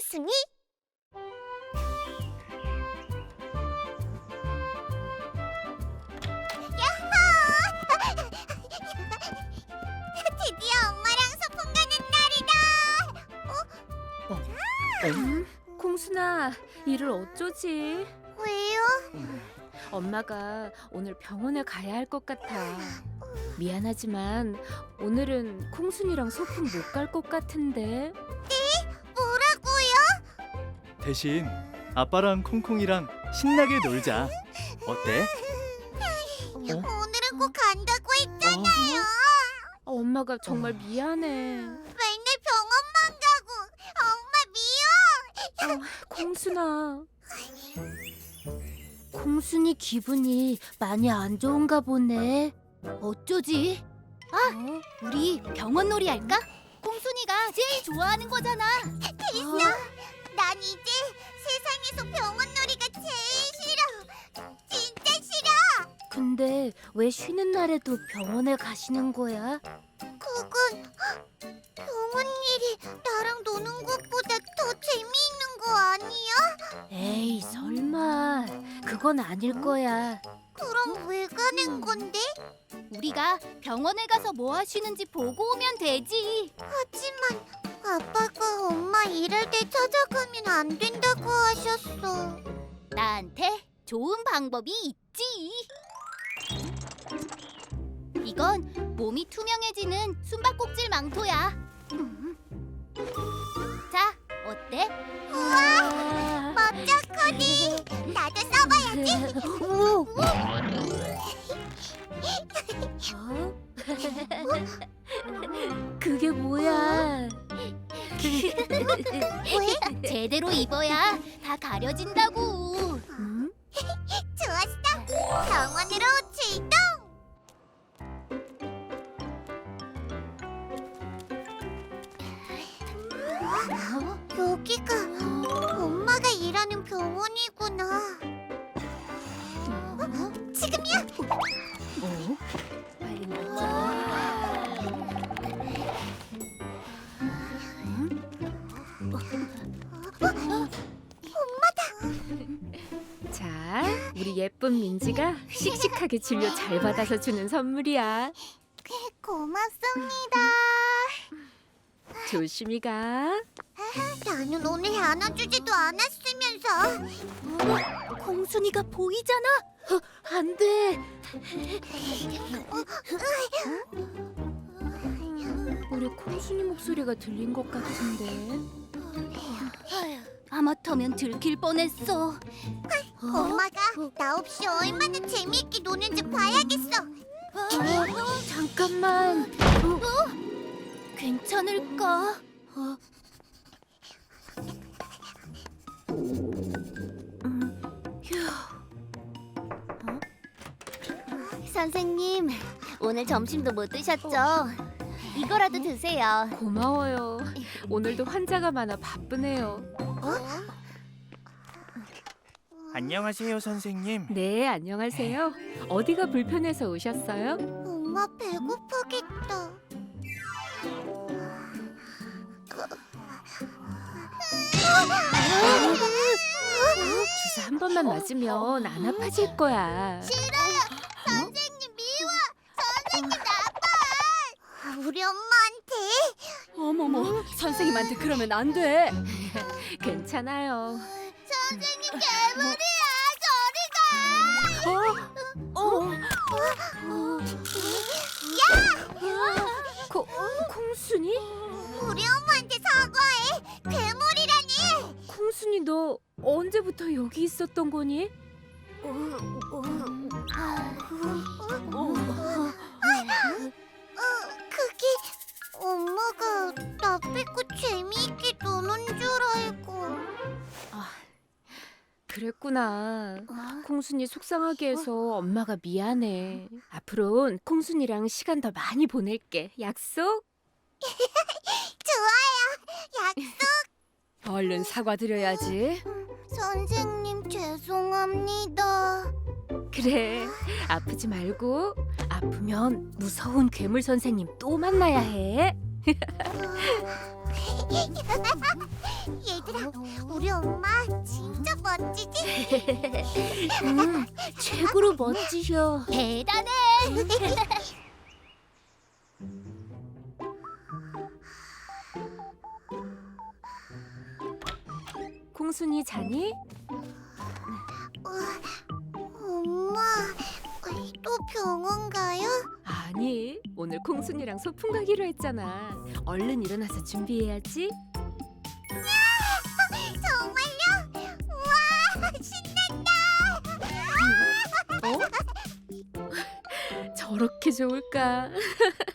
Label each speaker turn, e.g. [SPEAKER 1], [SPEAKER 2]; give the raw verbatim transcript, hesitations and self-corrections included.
[SPEAKER 1] 콩순이? 야호! 드디어 엄마랑 소풍 가는 날이다.
[SPEAKER 2] 음? 콩순아, 이를 어쩌지?
[SPEAKER 1] 왜요?
[SPEAKER 2] 엄마가 오늘 병원에 가야 할 것 같아. 미안하지만 오늘은 콩순이랑 소풍 못 갈 것 같은데.
[SPEAKER 1] 뭐라고요?
[SPEAKER 3] 대신 아빠랑 콩콩이랑 신나게 놀자. 어때?
[SPEAKER 1] 오늘은 꼭 간다고 했잖아요.
[SPEAKER 2] 어, 엄마가 정말 미안해.
[SPEAKER 1] 맨날 병원만 가고 엄마 미워.
[SPEAKER 2] 어, 콩순아. 콩순이 기분이 많이 안 좋은가 보네.
[SPEAKER 4] 어쩌지? 아,
[SPEAKER 2] 어?
[SPEAKER 4] 우리 병원 놀이 할까? 콩순이가 제일 좋아하는 거잖아.
[SPEAKER 1] 됐어. 난 이제 세상에서 병원 놀이가 제일 싫어. 진짜 싫어.
[SPEAKER 2] 근데 왜 쉬는 날에도 병원에 가시는 거야?
[SPEAKER 1] 그건 병원 일이 나랑 노는 것보다 더 재미있는 거 아니야?
[SPEAKER 2] 에이, 설마. 그건 아닐 거야.
[SPEAKER 1] 그럼 왜 가는 건데?
[SPEAKER 4] 우리가 병원에 가서 뭐 하시는지 보고 오면 되지.
[SPEAKER 1] 하지만 아빠가 엄마 일할 때 찾아가면 안 된다고 하셨어.
[SPEAKER 4] 나한테 좋은 방법이 있지. 이건 몸이 투명해지는 숨바꼭질 망토야. 음. 자, 어때?
[SPEAKER 1] 우와, 멋져 코디. 나도 써봐야지.
[SPEAKER 2] 오! 어? 그게 뭐야?
[SPEAKER 1] 왜?
[SPEAKER 4] 제대로 입어야 다 가려진다고.
[SPEAKER 2] 음?
[SPEAKER 1] 좋았어. 병원으로 출동. 여기가 엄마가 일하는 병원이구나. 어? 지금이야.
[SPEAKER 2] 어? 빨리 먹자. 자, 우리 예쁜 민지가 씩씩하게 진료 잘 받아서 주는 선물이야.
[SPEAKER 1] 고맙습니다.
[SPEAKER 2] 조심히 가.
[SPEAKER 1] 나는 오늘 안아주지도 않았으면서.
[SPEAKER 4] 콩순이가 보이잖아.
[SPEAKER 2] 안 돼. 우리 콩순이 목소리가 들린 것 같은데.
[SPEAKER 4] 아마터면 들킬 뻔했어.
[SPEAKER 1] 엄마가 나 없이 얼마나 재미있게 노는지 봐야겠어.
[SPEAKER 2] 어, 잠깐만.
[SPEAKER 4] 괜찮을까?
[SPEAKER 2] 어?
[SPEAKER 4] 선생님, 오늘 점심도 못 드셨죠? 이거라도 드세요.
[SPEAKER 2] 고마워요. 오늘도 환자가 많아 바쁘네요.
[SPEAKER 3] 안녕하세요, 선생님.
[SPEAKER 2] 네, 안녕하세요. 어디가 불편해서 오셨어요?
[SPEAKER 1] 엄마 배고프겠다.
[SPEAKER 2] 주사 한 번만 맞으면 안 아파질 거야.
[SPEAKER 1] 싫어요. 선생님 미워. 선생님 나빠. 우리 엄마한테.
[SPEAKER 4] 어머머, 선생님한테 그러면 안 돼.
[SPEAKER 2] 괜찮아요.
[SPEAKER 1] 선생님 괴물이야. 저리 가.
[SPEAKER 2] 어? 콩, 콩순이?
[SPEAKER 1] 우리 엄마한테 사과해. 괴물이라니.
[SPEAKER 2] 콩순이 너 언제부터 여기 있었던 거니?
[SPEAKER 1] 어, 그게 엄마가 나 빼고 재미있게 노는 줄 알고.
[SPEAKER 2] 그랬구나. 콩순이 속상하게 해서 엄마가 미안해. 앞으로는 콩순이랑 시간 더 많이 보낼게. 약속?
[SPEAKER 1] 좋아요. 약속.
[SPEAKER 2] 얼른 사과드려야지.
[SPEAKER 1] 선생님 죄송합니다.
[SPEAKER 2] 그래, 아프지 말고. 아프면 무서운 괴물 선생님 또 만나야 해.
[SPEAKER 1] 얘들아, 우리 엄마 진짜 멋지지?
[SPEAKER 2] 응, 최고로 멋지셔.
[SPEAKER 4] 대단해.
[SPEAKER 2] 콩순이 자니?
[SPEAKER 1] 엄마, 또 병원 가요?
[SPEAKER 2] 아니, 오늘 콩순이랑 소풍 가기로 했잖아. 얼른 일어나서 준비해야지.
[SPEAKER 1] 정말요? 우와, 신난다!
[SPEAKER 2] 어? 저렇게 좋을까?